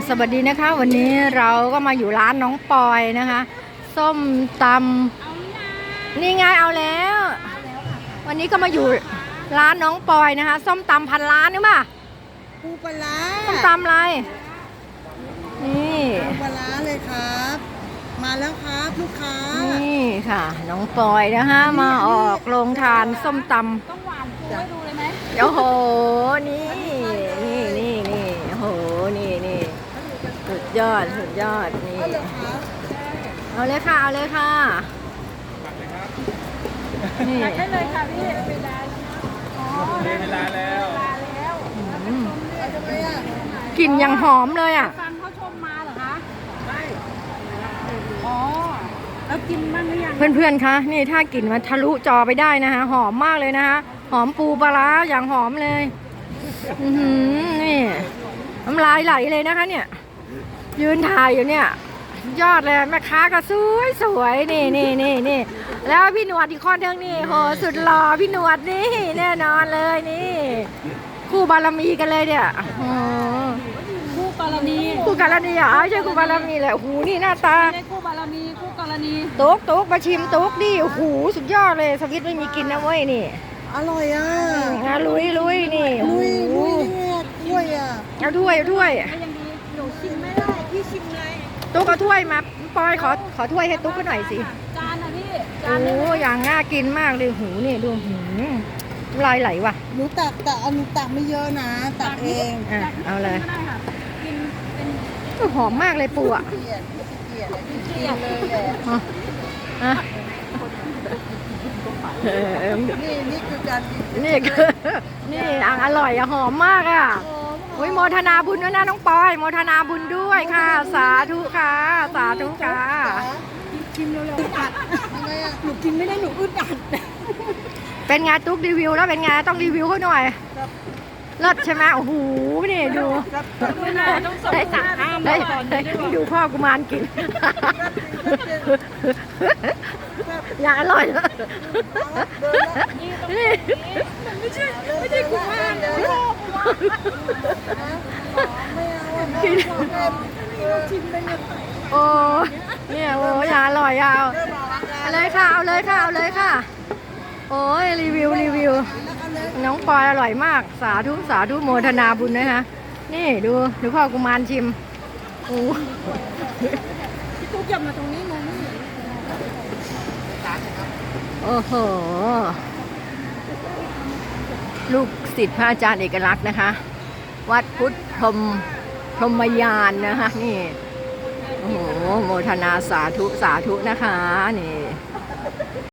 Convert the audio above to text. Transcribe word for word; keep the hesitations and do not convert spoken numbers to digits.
สวัสดีนะคะวันนี้เราก็มาอยู่ร้านน้องปอยนะคะส้มตำนี่ไงเอาแล้ววันนี้ก็มาอยู่ร้านน้องปอยนะคะส้มตำพันล้านนี่ป่ะปูปลาส้มตำอะไรนี่ปูปลาเลยครับมาแล้วครับลูกค้านี่ค่ะน้องปอยนะคะมาออกโรงทานส้มตำต้องหวานปูให้ดูเลยไหมโอ้โหนี่นี่นี่นี่โอ้โหนี่นี่สุดยอดสุดยอดนี่เอาเลยค่ะเอาเลยค่ะนี่ได้เลยค่ะพี่เวลาอ๋อได้เวลาแล้วเวลาแล้วกลิ่นยังหอมเลยอ่ะฟังเขาชมมาเหรอคะใช่อ๋อแล้วกินบ้างหรือยังเพื่อนๆคะนี่ถ้ากลิ่นมันทะลุจอไปได้นะคะหอมมากเลยนะคะหอมปูปลาร้าอย่างหอมเลยอือหือนี่น้ำลายไหลเลยนะคะเนี่ยยืนถ่ายอยู่เนี่ยยอดเลยแม่ค้าก็สวยสวยนี่นี่นี่นี่แล้วพี่หนวดอีกคนนึงนี่โหสุดหล่อพี่หนวดนี่แน่นอนเลยนี่คู่บารมีกันเลยเนี่ยคู่กรณีคู่กรณีอ่ะใช่คู่บารมีเลยโอ้โหนี่หน้าตาไม่ได้คู่บารมีคู่กรณีตุ๊กตุ๊กมาชิมตุ๊กดิโอ้โหสุดยอดเลยสวิตไม่มีกินนะเว้ยนี่อร่อยอ่ะอ่ะลุยลุยนี่ลุยลุยเนี่ยถ้วยอ่ะเอาถ้วยเอาถ้วยยังดีหนูชิมไม่ได้พี่ชิมเลยตุ๊กเอาถ้วยมาปอยขอขอถ้วยให้ตุ๊กหน่อยสิจานนะพี่โอ้อย่างน่ากินมากเลยหูนี่ดูหูลายไหลว่ะหนูตักแต่อันหนูตักไม่เยอะนะตักเองอ่ะเอาเลยได้ค่ะกินเป็นหอมมากเลยปูอ่ะเกลียดเกลียดเกลียดเลยแหละอ่ะนี่นี่คือการนี่คือนี่อ่างอร่อยอะหอมมากอ่ะโอ้ยโมทนาบุญด้วยนะน้องปอยโมทนาบุญด้วยค่ะสาธุค่ะสาธุค่ะชิมเร็วๆอึดอัดหนูกินไม่ได้หนูอึดอัดเป็นไงตุ๊กรีวิวแล้วเป็นไงต้องรีวิวเขาหน่อยเลิศใช่ไหมโอ้โหนี่ดูได้สั่งห้ามได้ดูพ่อกุมารกินอย่างอร่อยนี่ไม่ใช่ไม่ใช่กุมารพ่อกุมารไม่เอาชิมเลยเนี่ยโอ้เนี่ยโอ้อย่างอร่อยเอาเอาเลยค่ะเอาเลยค่ะเอาเลยค่ะโอ้ยรีวิวรีวิวน้องปอยอร่อยมากสาธุสาธุโมทนาบุญนะคะนี่ดูดูพ่อกุมารชิมโอ้พี่ตุ๊กอย่ามาตรงนี้มองไม่เห็นโอ้โหลูกศิษย์พระอาจารย์เอกลักษณ์นะคะวัดพุทธพรหมพรหมยานนะคะนี่โอ้โหโมทนาสาธุสาธุนะคะนี่